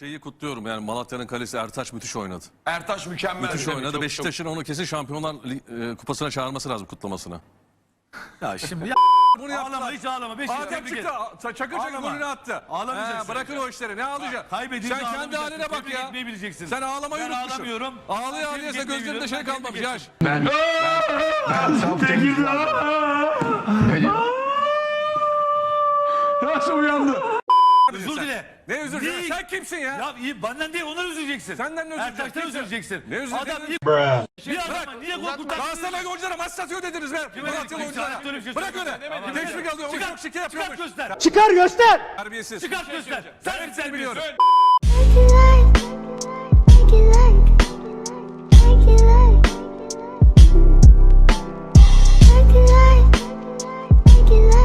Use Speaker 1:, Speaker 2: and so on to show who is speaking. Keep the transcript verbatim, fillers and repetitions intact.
Speaker 1: Şeyi kutluyorum yani Malatya'nın kalesi Ertaç müthiş oynadı.
Speaker 2: Ertaş mükemmel.
Speaker 1: Müthiş oynadı.
Speaker 2: Çok-
Speaker 1: Beşiktaş'ın onu kesin Şampiyonlar Lig- e, Kupası'na çağırması lazım kutlamasına.
Speaker 3: Ya şimdi ya
Speaker 1: Bunu
Speaker 3: ağlama
Speaker 1: yaptılar.
Speaker 3: hiç ağlama. Beşiktaş
Speaker 1: Adem
Speaker 3: tebrik
Speaker 1: çıktı.
Speaker 3: et.
Speaker 1: Çakır Çakır
Speaker 3: Ağlama.
Speaker 1: golünü attı.
Speaker 3: Ağlamayacaksın.
Speaker 1: He, bırakın o işleri. Ne ağlayacaksın?
Speaker 3: Kaybedince
Speaker 1: Sen kendi
Speaker 3: ağlamayacaksın.
Speaker 1: haline bak
Speaker 3: Tebrik
Speaker 1: ya.
Speaker 3: etmeyi bileceksin.
Speaker 1: Sen ağlamayı
Speaker 3: Ben
Speaker 1: unutmuşsun.
Speaker 3: ağlamıyorum.
Speaker 1: Ağlaya
Speaker 3: Ben
Speaker 1: ağlaya
Speaker 3: tebrik
Speaker 1: sen
Speaker 3: etmeyi
Speaker 1: gözlerinde
Speaker 3: biliyorum.
Speaker 1: şey
Speaker 3: Ben
Speaker 1: kalmamış
Speaker 3: tebrik
Speaker 1: yaş.
Speaker 2: Ben, ben, ben saf tebrik Nasıl uyandı?
Speaker 3: Özür dile.
Speaker 1: Ne özür dilerim?
Speaker 3: Değil.
Speaker 1: Sen kimsin ya?
Speaker 3: Ya iyi benden değil ondan üzüleceksin.
Speaker 1: Senden ne özür
Speaker 3: Ertaş'tan
Speaker 1: dileyeceksin?
Speaker 3: üzüleceksin.
Speaker 1: Ne özür
Speaker 3: Adam
Speaker 1: dilerim?
Speaker 3: bir, bir adama niye gol kurtar?
Speaker 1: Galatasaray oyunculara maç satıyor dediniz be. Malatyalı oyunculara. Bırak öyle. Teşvik alıyor. Oyuncu çok şike
Speaker 3: Çıkart
Speaker 1: yapıyormuş.
Speaker 3: göster.
Speaker 4: Çıkar göster.
Speaker 1: Terbiyesiz.
Speaker 3: Çıkart göster. Sen
Speaker 1: hepsini
Speaker 3: sen
Speaker 1: biliyorum.
Speaker 3: biliyorsun.
Speaker 5: Make it like, make it like, make it like, make it like, make it like.